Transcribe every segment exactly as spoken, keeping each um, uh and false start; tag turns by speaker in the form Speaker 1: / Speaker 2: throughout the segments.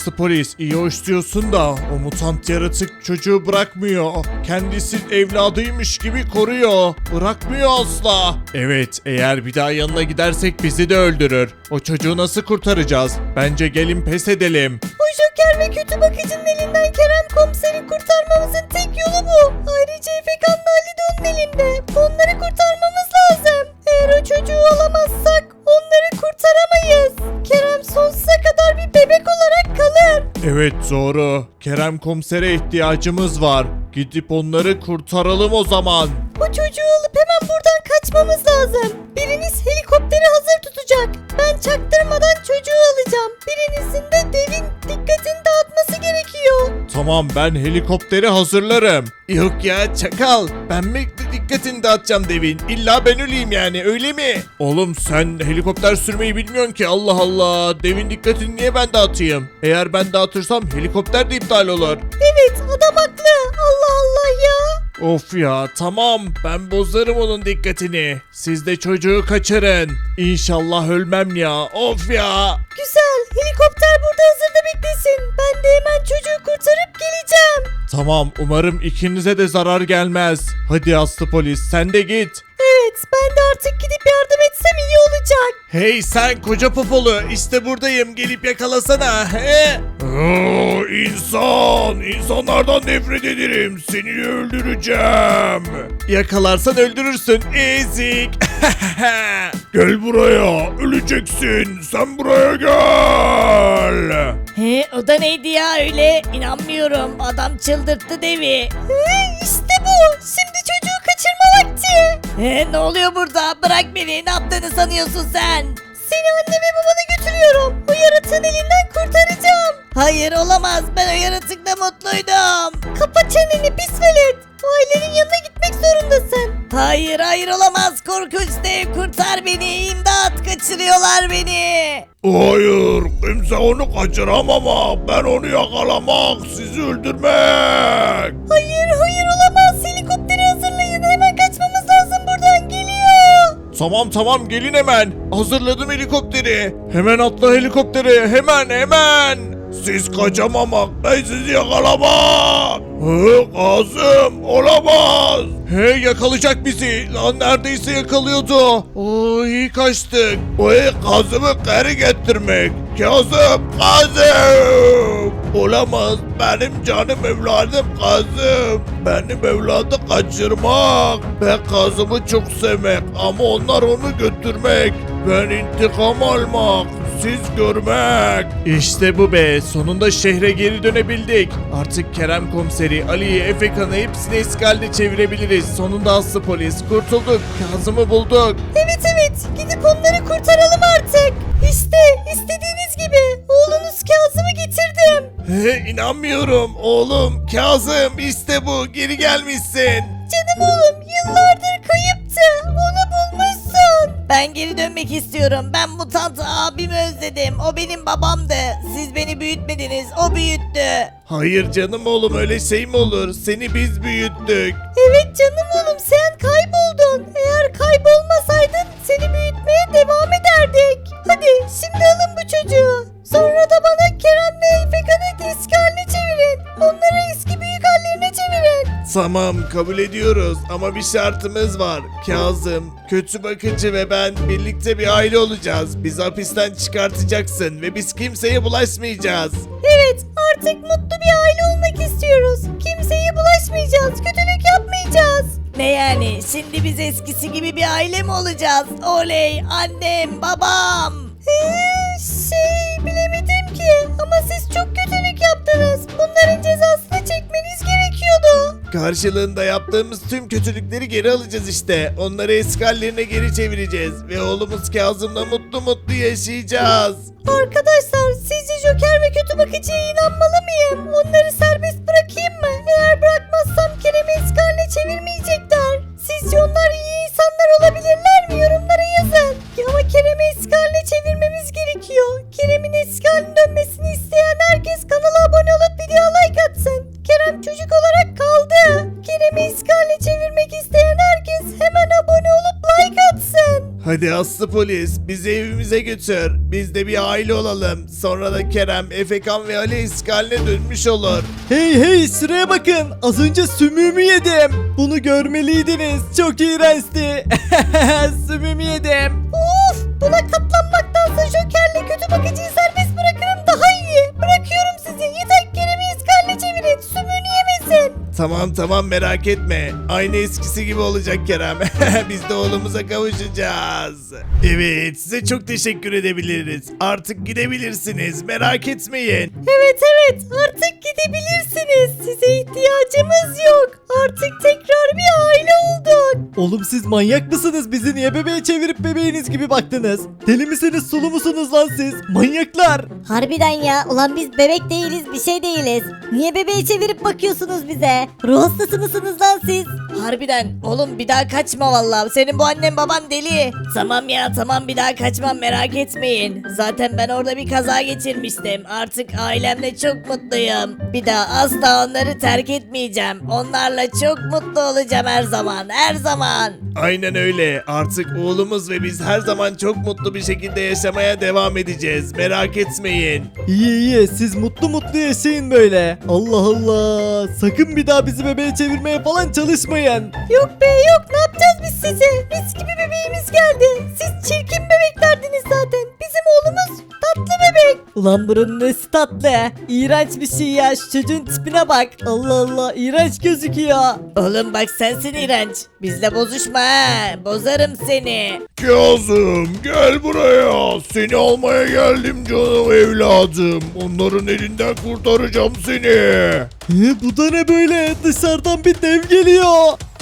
Speaker 1: aslı polis, iyi hoş diyorsun da o mutant yaratık çocuğu bırakmıyor. Kendisi evladıymış gibi koruyor. Bırakmıyor asla. Evet, eğer bir daha yanına gidersek bizi de öldürür. O çocuğu nasıl kurtaracağız? Bence gelin pes edelim.
Speaker 2: O Joker ve kötü bakıcının elinden Kerem komiseri kurtarmamızın tek yolu bu. Ayrıca Efekan'la Ali de onun elinde. Onları kurtarmamız lazım. Eğer o çocuğu alamazsak onları kurtaramayız. Kerem sonsuza kadar bir bebek olarak kalır.
Speaker 1: Evet doğru. Kerem komisere ihtiyacımız var. Gidip onları kurtaralım o zaman.
Speaker 2: O çocuğu alıp hemen buradan kaçmamız lazım. Biriniz helikopteri hazır tutacak. Ben çaktırmadan çocuğu alacağım. Birinizin de devin dikkatini dağıtması gerekiyor.
Speaker 1: Tamam, ben helikopteri hazırlarım. Yok ya çakal. Ben mi dikkatini dağıtacağım devin? İlla ben öleyim yani, öyle mi? Oğlum sen helikopter sürmeyi bilmiyorsun ki, Allah Allah. Devin dikkatini niye ben dağıtayım? Eğer ben dağıtırsam helikopter de iptal olur.
Speaker 2: Evet, adam haklı. Allah Allah ya.
Speaker 1: Of ya, tamam, ben bozarım onun dikkatini. Siz de çocuğu kaçırın. İnşallah ölmem ya. Of ya.
Speaker 2: Güzel. Helikopter burada hazırda beklesin. Ben de hemen çocuğu kurtarıp geleceğim.
Speaker 1: Tamam, umarım ikinize de zarar gelmez. Hadi aslı polis, sen de git.
Speaker 2: Evet, ben de artık gidip yardım etsem iyi olacak.
Speaker 1: Hey sen koca popolu, işte buradayım, gelip yakalasana. He? Oo, insan, insanlardan nefret ederim, seni öldüreceğim. Yakalarsan öldürürsün, ezik. Gel buraya, öleceksin, sen buraya gel.
Speaker 2: He, o da neydi ya öyle? İnanmıyorum. Adam çıldırttı devi. He, işte bu. Şimdi çocuğu kaçırma vakti. He, ne oluyor burada? Bırak beni. Ne yaptığını sanıyorsun sen? Seni anne ve babana götürüyorum. O yaratığın elinden kurtaracağım. Hayır olamaz. Ben o yaratıkla mutluydum. Kapa çeneni pis velet. O ailenin yanına gitmek zorundasın. Hayır hayır olamaz. Korkunç dev kurtar beni. İmdat kaçırıyorlar beni.
Speaker 1: Hayır, kimse onu kaçıramam ama ben onu yakalamak, sizi öldürmek.
Speaker 2: Hayır hayır olamaz. Helikopteri hazırlayın. Hemen kaçmamız lazım buradan. Geliyor.
Speaker 1: Tamam tamam, gelin hemen. Hazırladım helikopteri. Hemen atla helikopteri, hemen hemen. Siz kaçamamak, ben sizi yakalamak. Hı, Kazım, olamaz. He, yakalayacak bizi. Lan neredeyse yakalıyordu. Oo, iyi kaçtık. Hey, Kazım'ı geri getirmek. Kazım, Kazım. Olamaz, benim canım evladım Kazım. Benim evladı kaçırmak. Ben Kazım'ı çok sevmek ama onlar onu götürmek. Ben intikam almak. Siz görmek. İşte bu be, sonunda şehre geri dönebildik. Artık Kerem komiseri, Ali'yi, Efekan'ı hepsini eski haline çevirebiliriz. Sonunda aslı polis, kurtulduk. Kazım'ı bulduk.
Speaker 2: Evet evet gidip onları kurtaralım artık. İşte istediğiniz gibi oğlunuz Kazım'ı getirdim.
Speaker 1: He, inanmıyorum oğlum, Kazım, işte bu, geri gelmişsin.
Speaker 2: Canım oğlum yıllardır kayıptı. Onu bulmuşsun. Ben geri dönmek istiyorum. Ben mutant abimi özledim. O benim babamdı. Siz beni büyütmediniz. O büyüttü.
Speaker 1: Hayır canım oğlum, öyle şey mi olur? Seni biz büyüttük.
Speaker 2: Evet canım oğlum sen kayboldun. Eğer kaybolmasaydın seni büyütmeye devam ederdik. Hadi şimdi alın bu çocuğu. Sonra da bana Kerem ve Efekan'ı eski haline çevirin. Onları eski büyük hallerine çevirin.
Speaker 1: Tamam, kabul ediyoruz ama bir şartımız var. Kazım, kötü bakıcı ve ben birlikte bir aile olacağız. Bizi hapisten çıkartacaksın ve biz kimseye bulaşmayacağız.
Speaker 2: Evet artık mutlu bir aile olmak istiyoruz. Kimseye bulaşmayacağız. Kötülük yapmayacağız. Ne yani şimdi biz eskisi gibi bir aile mi olacağız? Oley annem babam. Ee, şey bilemedim ki ama siz çok kötülük yaptınız. Bunların cezasını çekmeniz gerekiyordu.
Speaker 1: Karşılığında yaptığımız tüm kötülükleri geri alacağız işte. Onları eski hallerine geri çevireceğiz ve oğlumuz Kazım'la mutlu mutlu yaşayacağız.
Speaker 2: Arkadaşlar sizce Joker ve kötü bakıcıya inanmalı mıyım? Onları serbest bırakayım mı? Eğer bırakmazsam Kerem'i eski haline çevirmeyecekler. Sizce onlar iyi insanlar olabilirler mi? Yorumlara yazın. Ya ama Kerem'i eski haline çevirmemiz gerekiyor. Kerem'in eski haline dönmesini isteyen herkes kanala abone olup videoya like atsın. Kerem çocuk olarak kaldı. Kerem'i eski haline çevirmek isteyen herkes hemen abone olup like atsın.
Speaker 1: Hadi Aslı polis bizi evimize götür. Biz de bir aile olalım. Sonra da Kerem, Efekan ve Ali eski haline dönmüş olur.
Speaker 3: Hey hey şuraya bakın. Az önce sümüğümü yedim. Bunu görmeliydiniz. Çok iğrençti. Sümüğümü yedim.
Speaker 2: Of, buna katlanmaktansa Joker'le kötü bakıcıyı serbest bırakırım daha iyi. Bırakıyorum sizi. Yeter ki Kerem'i eski haline çevirin. Sümüğünü yemesin.
Speaker 1: Tamam tamam merak etme. Aynı eskisi gibi olacak Kerem. Biz de oğlumuza kavuşacağız. Evet size çok teşekkür edebiliriz. Artık gidebilirsiniz. Merak etmeyin.
Speaker 2: Evet evet, artık gidebilirsiniz. Size ihtiyacımız yok. Artık tekrar bir aile olduk.
Speaker 3: Oğlum siz manyak mısınız? Bizi niye bebeğe çevirip bebeğiniz gibi baktınız? Deli misiniz sulu musunuz lan siz? Manyaklar.
Speaker 2: Harbiden ya, ulan biz bebek değiliz, bir şey değiliz. Niye bebeği çevirip bakıyorsunuz bize? Ruh hastası mısınız lan siz? Harbiden oğlum, bir daha kaçma vallahi. Senin bu annen baban deli. Tamam ya tamam, bir daha kaçmam, merak etmeyin. Zaten ben orada bir kaza geçirmiştim. Artık ailemle çok mutluyum. Bir daha asla onları terk etmeyeceğim. Onlarla çok mutlu olacağım her zaman, her zaman.
Speaker 1: Aynen öyle. Artık oğlumuz ve biz her zaman çok mutlu bir şekilde yaşamaya devam edeceğiz. Merak etmeyin.
Speaker 3: İyi iyi siz mutlu mutlu yaşayın böyle. Allah Allah. Sakın bir daha bizi bebeğe çevirmeye falan çalışmayın.
Speaker 2: Yok be yok, ne yapacağız biz size? Mis gibi bebeğimiz geldi. Siz çirkin bebeklerdiniz zaten. Bizim oğlumuz tatlı bebek. Ulan bunun nesi tatlı? İğrenç bir şey ya, şu çocuğun tipine bak. Allah Allah, iğrenç gözüküyor. Oğlum bak, sensin iğrenç. Bizle bozuşma ha, bozarım seni.
Speaker 1: Kazım gel buraya. Seni almaya geldim canım evladım. Onların elinden kurtaracağım seni.
Speaker 3: He, bu da ne böyle? Dışarıdan bir dev geliyor.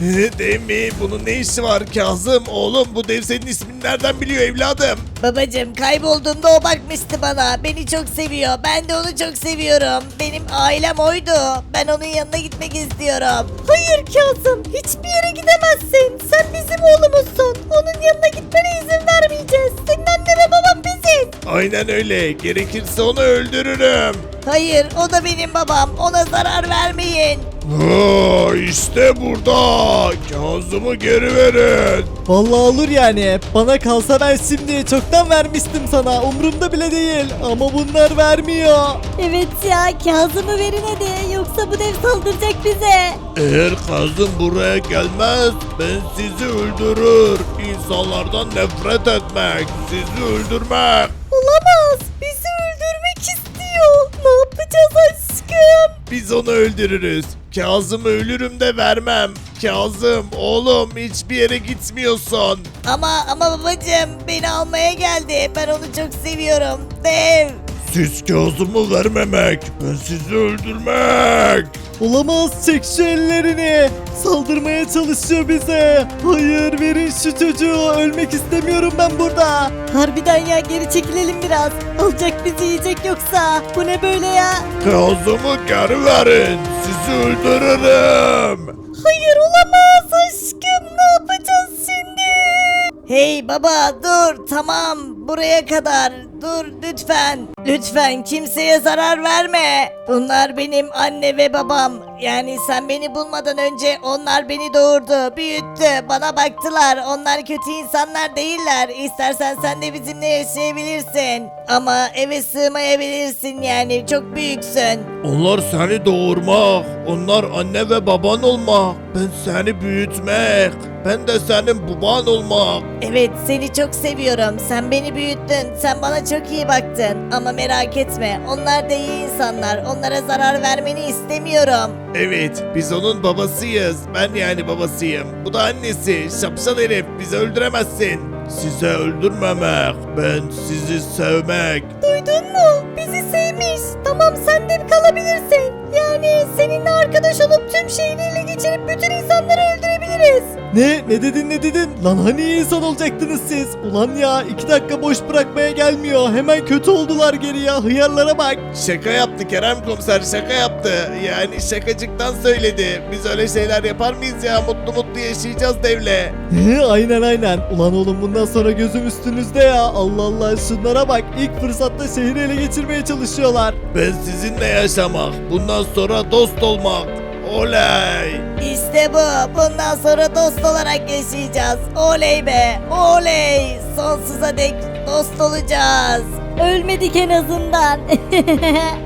Speaker 1: Dev mi? Bunun ne işi var Kazım? Oğlum bu dev senin ismini nereden biliyor evladım?
Speaker 2: Babacım, kaybolduğumda o bakmıştı bana. Beni çok seviyor. Ben de onu çok seviyorum. Benim ailem oydu. Ben onun yanına gitmek istiyorum. Hayır Kazım, hiçbir yere gidemezsin. Sen bizim oğlumuzsun. Onun yanına gitmene izin vermeyeceğiz. Senin anne ve baban biziz.
Speaker 1: Aynen öyle. Gerekirse onu öldürürüm.
Speaker 2: Hayır, o da benim babam. Ona zarar vermeyin.
Speaker 1: Ha, işte burada. Kazım'ı geri verin.
Speaker 3: Vallahi olur yani. Bana kalsa ben şimdi çoktan vermiştim sana. Umurumda bile değil. Ama bunlar vermiyor.
Speaker 2: Evet ya, Kazım'ı verin hadi. Yoksa bu dev saldıracak bize.
Speaker 1: Eğer Kazım buraya gelmez ben sizi öldürür. İnsanlardan nefret etmek, sizi öldürmek.
Speaker 2: Olamaz. Bizi öldürmek istiyor. Ne yapacağız aşkım?
Speaker 1: Biz onu öldürürüz. Kazım'ı ölürüm de vermem. Kazım oğlum hiçbir yere gitmiyorsun.
Speaker 2: Ama ama babacığım, beni almaya geldi. Ben onu çok seviyorum. Dev.
Speaker 1: Siz Kazım'ı vermemek, ben sizi öldürmek.
Speaker 3: Olamaz, çek şu ellerini. Saldırmaya çalışıyor bize. Hayır, verin şu çocuğu. Ölmek istemiyorum ben burada.
Speaker 2: Harbiden ya, geri çekilelim biraz. Alacak bizi, yiyecek yoksa. Bu ne böyle ya?
Speaker 1: Kazım'ı geri verin, sizi öldürürüm.
Speaker 2: Hayır, olamaz aşkım. Ne yapacağız şimdi? Hey baba, dur, tamam, buraya kadar. Dur lütfen. Lütfen kimseye zarar verme. Bunlar benim anne ve babam. Yani sen beni bulmadan önce onlar beni doğurdu, büyüttü, bana baktılar. Onlar kötü insanlar değiller. İstersen sen de bizimle yaşayabilirsin. Ama eve sığmayabilirsin, yani çok büyüksün.
Speaker 1: Onlar seni doğurmak, onlar anne ve baban olmak, ben seni büyütmek, ben de senin baban olmak.
Speaker 2: Evet, seni çok seviyorum. Sen beni büyüttün. Sen bana çok iyi baktın. Ama merak etme, onlar da iyi insanlar. Onlara zarar vermeni istemiyorum.
Speaker 1: Evet, biz onun babasıyız. Ben yani babasıyım. Bu da annesi. Şapşal herif, bizi öldüremezsin. Size öldürmemek, ben sizi sevmek.
Speaker 2: Duydun mu? Bizi sevmiş. Tamam, sen de kalabilirsin. Yani seninle arkadaş olup tüm şehri ele geçirip bütün insanları öldürebiliriz.
Speaker 3: Ne? Ne dedin ne dedin? Lan hani iyi insan olacaktınız siz? Ulan ya, iki dakika boş bırakmaya gelmiyor. Hemen kötü oldular geri ya. Hıyarlara bak.
Speaker 1: Şaka yaptı Kerem komiser, şaka yaptı. Yani şakacıktan söyledi. Biz öyle şeyler yapar mıyız ya? Mutlu mutlu yaşayacağız devle.
Speaker 3: He, aynen aynen. Ulan oğlum, bundan sonra gözüm üstünüzde ya. Allah Allah, şunlara bak. İlk fırsatta şehri ele geçirmeye çalışıyorlar.
Speaker 1: Ben sizinle yaşamak, bundan sonra dost olmak. Oley!
Speaker 2: İşte bu. Bundan sonra dost olarak yaşayacağız. Oley be. Oley. Sonsuza dek dost olacağız. Ölmedik en azından.